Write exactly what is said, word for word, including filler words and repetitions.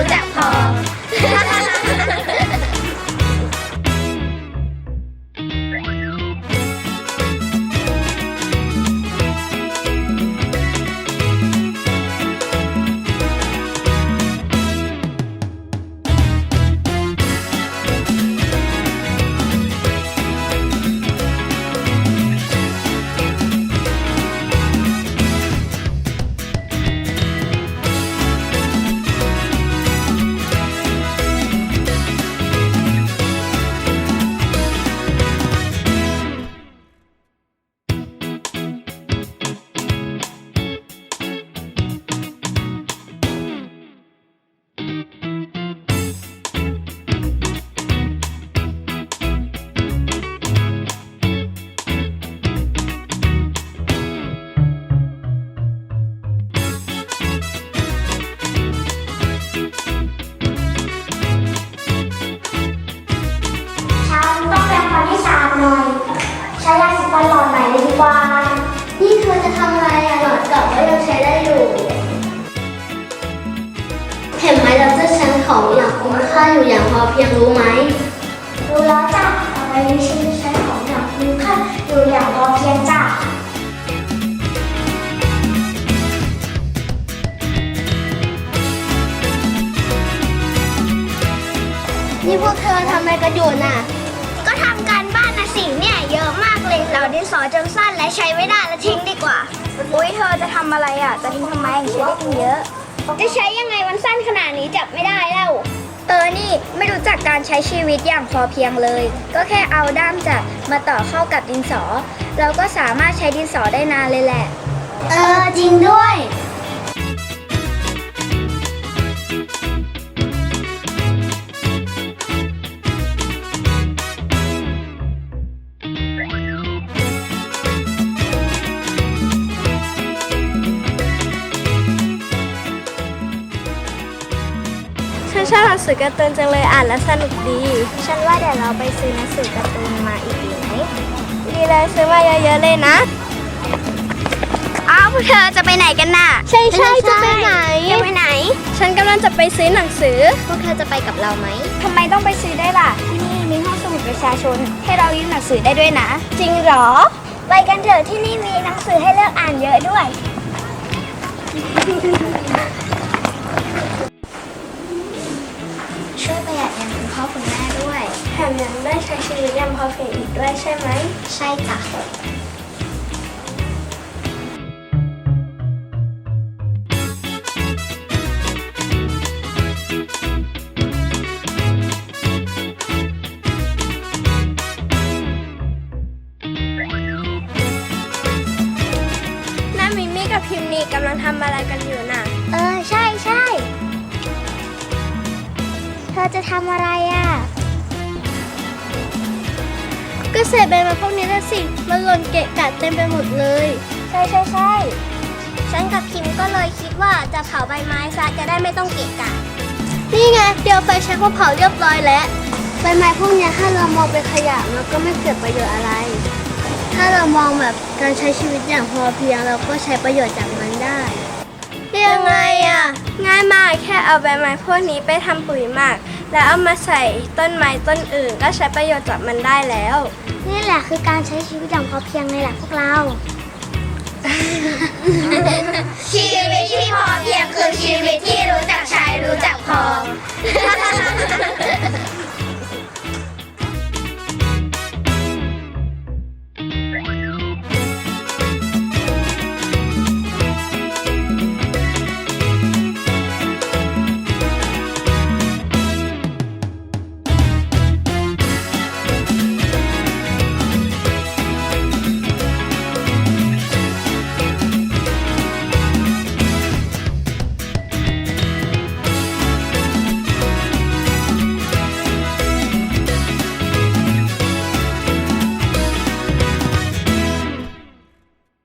รู้จักพอใช้ยาสีฟันหลอดใหม่เลยดีกว่านี่เธอจะทำอะไรอะหลอดเก่าก็ยังใช้ได้อยู่เห็นไหมเราจะใช้ของอย่างคุ้มค่าอยู่อย่างพอเพียงรู้ไหมรู้แล้วจ้ะต่อไปนี้ฉันจะใช้ของอย่างคุ้มค่าอยู่อย่างพอเพียงจ้ะนี่พวกเธอทำอะไรกันอยู่น่ะก็ทำการบ้านนะสิเนี่ยเยอะมากเลยเราดินสอจนสั้นและใช้ไม่ได้แล้วทิ้งดีกว่าอุ้ยเธอจะทำอะไรอ่ะจะทิ้งทำไมใช้ได้ตั้งเยอะจะใช้ยังไงมันสั้นขนาดนี้จับไม่ได้แล้วเออนี่ไม่รู้จักการใช้ชีวิตอย่างพอเพียงเลยก็แค่เอาด้ามจับมาต่อเข้ากับดินสอเราก็สามารถใช้ดินสอได้นานเลยแหละเออจริงด้วยฉันชอบหนังสือการ์ตูนจังเลยอ่านแล้วสนุกดีฉันว่าเดี๋ยวเราไปซื้อหนังสือการ์ตูนมาอีกดีไหมดีเลยซื้อมาเยอะๆเลยนะอ้าวพวกเธอจะไปไหนกันน่ะใช่ใช่จะไปไหนจะไปไหนฉันกำลังจะไปซื้อหนังสือพวกเธอจะไปกับเราไหมทำไมต้องไปซื้อได้ล่ะที่นี่มีห้องสมุดประชาชนให้เรายื่นหนังสือได้ด้วยนะจริงเหรอไปกันเถอะที่นี่มีหนังสือให้เลือกอ่านเยอะด้วยช่วยประหยัดเงินคุณพ่อคุณแม่ด้วยแถมยังได้ใช้ชีวิตอย่างพอเพียงอีกด้วยใช่ไหมใช่จ้ะน้ามิมี่กับพิมพ์นี่กำลังทำอะไรกันอยู่น่ะเออใช่ใช่เธอจะทำอะไรอ่ะก็เศษใบไม้พวกนี้นะสิมันหล่นเกะกะเต็มไปหมดเลยใช่ใช่ใช่ฉันกับคิมก็เลยคิดว่าจะเผาใบไม้ซะจะได้ไม่ต้องเกะกะนี่ไงเดี๋ยวไฟแช็กก็เผาเรียบร้อยแล้วใบไม้พวกนี้ถ้าเรามองเป็นขยะมันก็ไม่เกิดประโยชน์อะไรถ้าเรามองแบบการใช้ชีวิตอย่างพอเพียงเราก็ใช้ประโยชน์จากมันได้ยังไงอ่ะง่ายมากแค่เอาใบไม้พวกนี้ไปทำปุ๋ยหมักแล้วเอามาใส่ต้นไม้ต้นอื่นก็ใช้ประโยชน์จากมันได้แล้วนี่แหละคือการใช้ชีวิตอย่างพอเพียงในแหละพวกเราชีวิตที่พอเพียงคือชีวิตที่รู้จักใช้รู้จักพอ